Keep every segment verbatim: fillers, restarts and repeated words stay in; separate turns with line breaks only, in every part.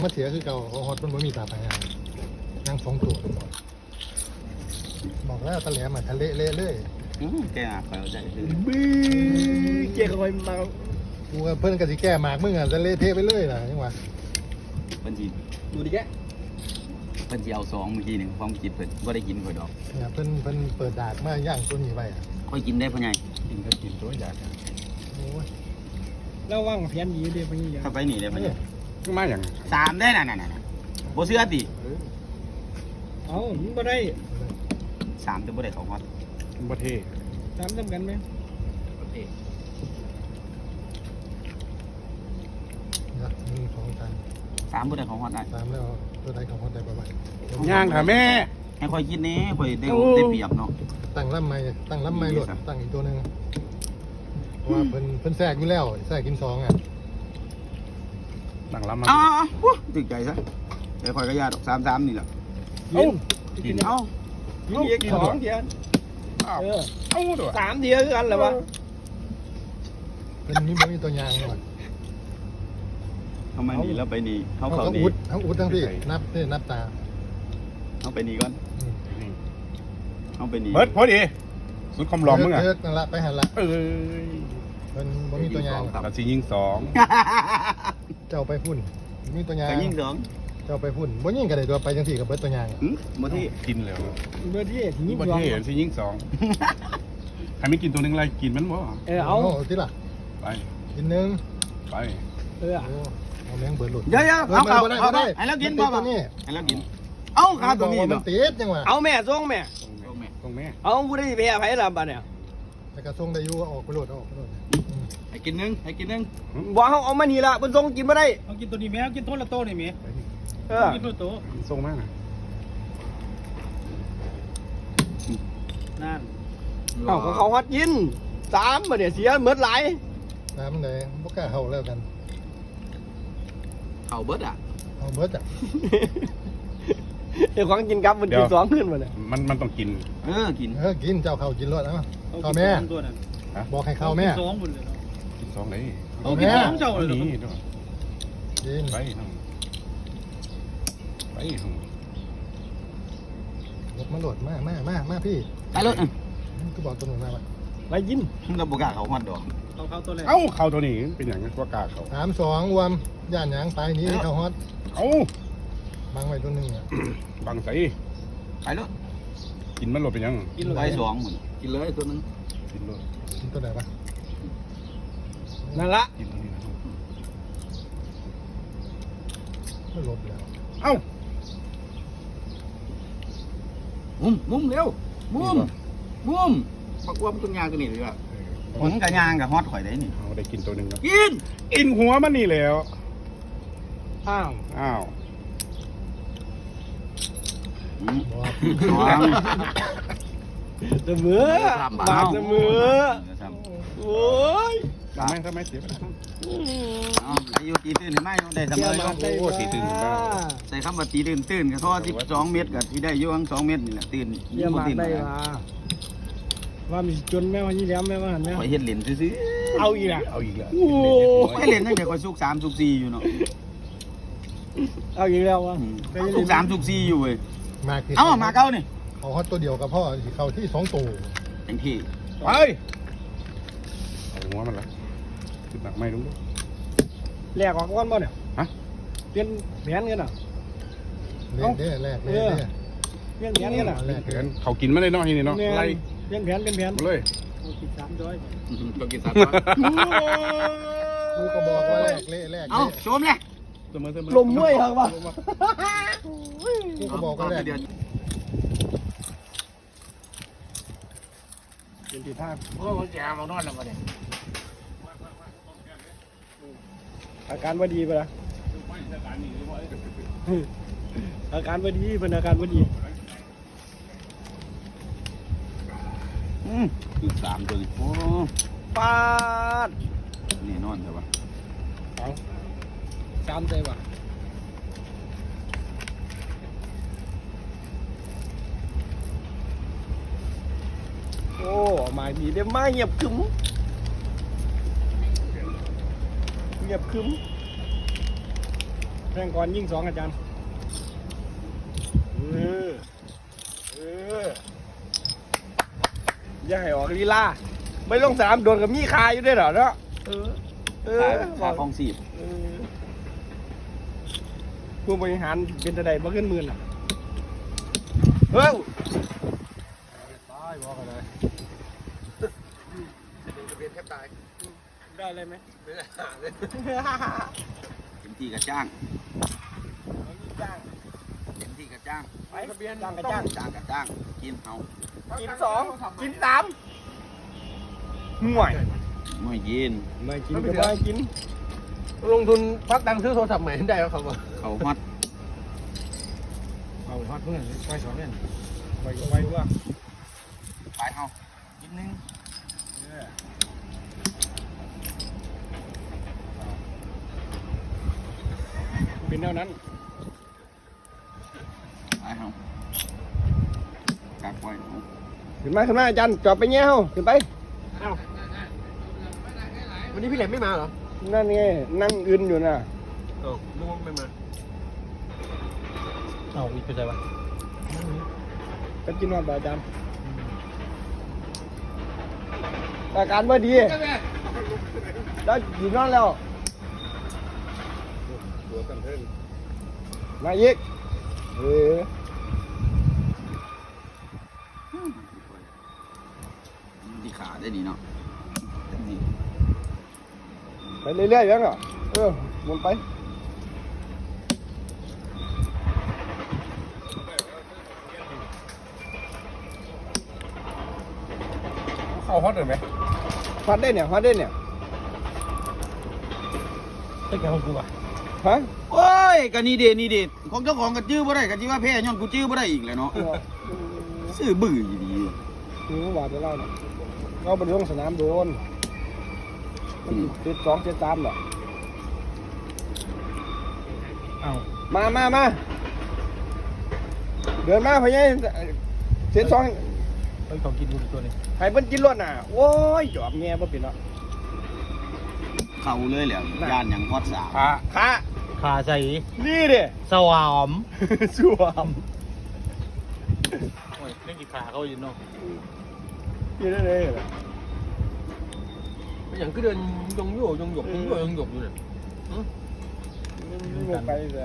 มาเสียคือเก่าเขาฮอตมันไม่มีตาพายางนั่งสองตัวบอกแล้วตะแหลมมาทะเลเละเลย
แกอ่ะคอยเอาใจคือ
บึ้งเจ๊คอยมา
กูกับเพื่อนกันสิแก้หมากมึงอ่ะทะเลเทไปเรื่อยนะยังวะ
บัญชี
ดูดิแก
บัญชีเอาสองเมื่อกี้หนึ่งความคิดเพิ่นก็ได้กินคอยดอก
เนี่ยเพิ่นเพิ่นเปิดดากมาย่างตัวนี้ไปอ่ะ
ค่อยกินได้พ่อใหญ่
กินก็กินตัวอยากโอ้ย
แล้วว่างเพี้ยนยีเดียวไปยี่
ถ้าไปหนีได้พ่อใหญ่
มาอย่าง
สามได้น่ะน่ะน่ะโบเสื้อติ
เอามึงบ่ได้
สามจะบ่ได้เขาฮอต
ประเทศ
สามจำกันไหม
ประเทศ
นะหนึ่งสองสาม
สามบ่ได้เขาฮอตได้
สามแล้วตัวใดของฮอตได้บ่บ่
ย่างค่ะแม่
ให้ค่อยกินนี้ค่อยได้ได้เปรียบเนาะ
ตั้งลำไม้ตั้งลำไม้หลดตั้งอีกตัวหนึ่งเพราะว่าเพิ่นเพิ่นแทรกอยู่แล้วแทรกกินสองอ่ะ
ตั้งลำมา
อ๋อถึงใจซะเดี๋ยวค่อยก็ยาดอกสามสามนี่แหละ
เอ้า
กินเอ้า
กินอีกสองเดียวเออ
เอ้าด้วย
สามเดียวกันเหรอวะ
เป็นมีบ่มีตัวยางหน่อย
ทำไมหนีแล้วไปหนีเขาเขาหนี
อุดเขาอุดทั้งที่นับนี่นับตา
เขาไปหนีก่อนเขาไปหนี
เบิร์ดพอดีสุดคอมลอมมึงอ่ะ
เลิกนั่นละไปหันละ
เอ้ย
เป็นบ่มีตัวยาง
เราสิยิงสอง
เจ้าไปพุ่นมีตัวยาง
ยิงสอง
เจ้าไปพุ่นบ่ยิงกันได้ตัวไปจังสี่กับเบิร์ดตัวยาง
บ่ที่
กินแล้ว
เบอร์ที่ยิง
สองเบอร์ที่ยิงสองใครไม่กินตัวนึงไรกินมันบ่
เออเอา
ที่ล่ะ
ไป
กินหนึ่ง
ไป
เออ
เอาแมงเบิร์ดหลุด
เดี๋ยวๆเอาเอาเอาได้ให้เรากินบ่บ่ให้เรากินเอาขาตัวนี้
มันติดจังหวะ
เอาแม่ส่งแม่
ส่งแม่
เอาผู้ได้ไปไผล่ะบัดเนี่ย
แต่กระส่งได้อยู่ออกไปโหลดออกไปโหลด
ให้กินนึงให้กินนึง
บ่เฮาเอามานี่ล่ะเพิ่นส่งกินบ่ได้
เอากินตัวนี้แม่เอากินต้นละโตนี่แม่
เออ
กินตัวโต
ส่งมา
นั่น
เอ้าเขาฮอดยินสามบ่เนี่ยเสียหมดหลาย
สามไหนบ่กล้าเฮาแล้วกัน
เฮาเบิดอ่ะ
เฮาเบิดอ่ะ
เดี๋ยวของกินกับมันกินสองขึ้นมาเลย
มันมันต้องกิน
เออกิน
เออกินเจ้าเข้ากินรสนะเข้าแม่บอกให้เข้าแม่
สองหมดเลย
กินสองไหน
เอากินสองเจ้าเลย
นี่ด้วย
กิน
ไปไป
รถมาโหลดมามามามาพี่
ไปรถ
ก็บอกตัวหนึ่งมาว่า
ไปยิน
เราบอกกาเขาฮอดดอก
เขาเขาตัวแรก
เอ้าเขาตัวนี้เป็นอย่างนี้ว่ากาเขา
สามสองรวมย่านหยางไปนี้เขาฮอต
เอ้า
บังไว้ตัวหนึ่งอ่ะ
บังใส่
ไปรถ
กินมันหลบเป็นยัง
กินไปสองหมดกินเลยตัวนึง
กินเลย
กินตัวไหนปะ
นั่นละ
กินตัวนี้
ไม่ลบแล้ว
เอ้า
มุมมุมเร็วมุมมุมปักว่ามันตัวยางตัวนี้เลยว่ะผมกับยางกับฮอตข่อยได้นี่
เอาได้กินตัวหนึ่งแล้ว
กิน
กินหัวมันนี่แล้ว
อ้าว
อ้าว
เสมอบาดเสมอโอ้ย
ทำไมทำไมเสียไปแล้ว
อายุตีตื่นหรือไม่ได้เสมอ
โอ้ตีตื่น
ใส่คำว่าตีตื่นตื่นกับท่อสิบสองเมตรกับที่ได้ยุ่งสองเมตรนี่แหละตื่น
เยี่ยมมากได้ว่าว่ามีจนแม่วันนี้แล้วแม่ว่าแม่
ข่อยเห็ดเหรียญซื้อ
เอาอีกละ
เอาอีกแล้ว
โอ้
ข่อยเหรียญตั้งแต่ข่อยสุกสามสุกสี่อยู่เนาะ
เอาอีกแล้ววะ
สุกสามสุกสี่อยู่เว้ย
มา
เอ้ามาเก้านี่
เขาฮอตตัวเดียวกับพ่อเขาที่สองตัว
เต็มที่
ไปเอาหัวมันละติดหนักไม่รู้ด้วย
แลกออกก้อนบ่เนี่ย
ฮะ
เปลี่ยนแผนกันอ่ะ
เล่นได้แลกเล่นได้
เปลี่ยนแผนกันอ่ะ
แลกแผนเขากินไม่ได้เนาะที่นี่เนาะไล่
เปลี่ยนแผนเป็นแผน
เลย
กินสามร้อย
ก็กินสามร้อย
กูก็บอกว่าแลกเล่แลก
เอาโจมเลย
ลมมวยเหรอวะ
กูก็บอกว่าแลก
เป็นที่ท่า
โอ้ยแกมานอนแล้วมาเนี่ย
อาการว่าดีปะล่ะอาการว่าดีเป็นอาการว่าดี
อืมอีกสามตัวโอ้
ปาด
นี่นอนใช่ปะ
เอาสามใจปะโอ้มาดีได้มาเงียบคึ้มเงียบคึ้มแทงก่อนยิงสองอาจารย์เออเอออย่าให้ออกลีลาไม่ลงสนามโดนกับมีคาอยู่ด้วยเหรอเนาะเออเออ
ขาฟองสีบ
เออผู้บริหารเป็นจะได้บ่ขึ้นหมื่นอ่ะเฮ้ย
ตายบอกกันเลย
ได้เลยไหม
เต็มที่กระจ้างเต็มที่กระจ้าง
ไปทะเบียนจ้างกับจ้าง
จ้างกระจ้างกินเอา
กินสองกินสามห่วย
ไม่ยิน
ไม่กินก็ไม่กิน
ลงทุนพักดังซื้อโทรศัพท์ใหม่ได้แล้วครับว่า
เขาฮอต
เอาฮอดเพื่อนไปสอนเนี่ย
ไปก็ไปว่า
ไปเอากินนึง
เป็นแนวนั้น
ไปเอากักไว้เอา
ขึ้นมาขึ้นมาอาจารย์จอดไปเงี้ยเฮาขึ้นไป
วันนี้พี่แหลมไม่มาเหรอ
นั่นไงนั่งอื่นอยู่น่ะ
เออนึกว่าไม่มา
เอาอีกเป็นไรวะ
ก็กินนอนบ่อาจารย์อาการว่าดีแล้วอยู่นอนแล้ว
ตัวกันเทิง
มาอีกเออ
ดีขาได้ดีเนาะนี่
ไปเรื่อยๆยังเหรอเออหมุนไป
เข้าฮอตเลยไหม
ฟัดได้เนี่ยฟัดได้เนี่ย
เป็นแกของกูอ่ะ
ฮะ
โอ้ยกันนี่เดนี่เดของเจ้าของกันจื้อบ่ได้กันจีว่าแพ้ย้อนกูจื้อบ่ได้อีกเลยเนาะซื้อบื้ออยู่ดี
คือเมื่อวานจะเล่าเนี่ยเราไปลงสนามโดนเจ็ดสองเจ็ดสามเหรอ
เอา
มามามาเดินมาพะยัยเจ็ดสอง
ไปของกินดูตัวนี้
ให้เพิ่นกินรวดน่ะโอ้ยจอบแง่บ่เป็นเนาะ
เข้าเลยแหละย่านอย่างฮอตสาว
ขาขา
ขาใส่
นี่เด้
สวาม
สวม
โอ้ยเล่นกีขาเขาอยู่เนาะ
นี่ได้เลยเหรอ
อย่างก็เดินยงโย่ยงหยกยงโย่ยงหยกอยู่เนี่ย
ไม่ลงไปเลย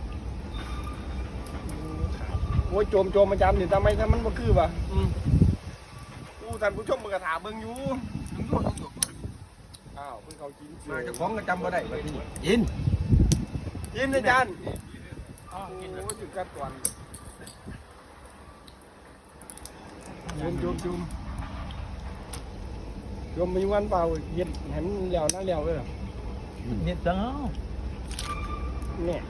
โอ้ยโจมโจมอาจารย์นี่ทำไมถ้ามันบ่คือวะอู้ท่านผู้ชมมึงก็ถามเบิ่งอยู่
ยงโย่ยงหยก
อ้าวเพิ่นเขากิน
มาเจ้าของก็จำมาได้แบบนี้
ยิน
กินอาจารย์
อ๋อ
โอ้
กินเลย
ยจุดกัดก่อนจุมจุมจุมจุมมีวันเปล่าเย็ดเห็นเหลียวหน้าเหลียวเลยเหรอ
เน็ตจังเอา
เนี่ย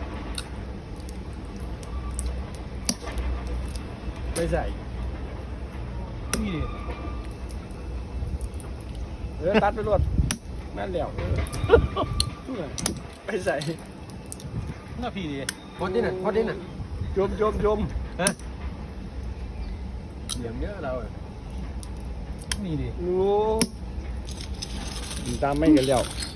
ไปใส่
นี่ดิ
เออตัดไปรวดนั่นเหลียวเออทุกอย่างไปใส่
หน้าพี่ดิ
ฮอตดิน่ะฮอตดิน่ะ
จุมจุมจุม
เหลี่ยมเยอะเรา
นี่ดิ
รู้ตามไม่กันแล้ว
เ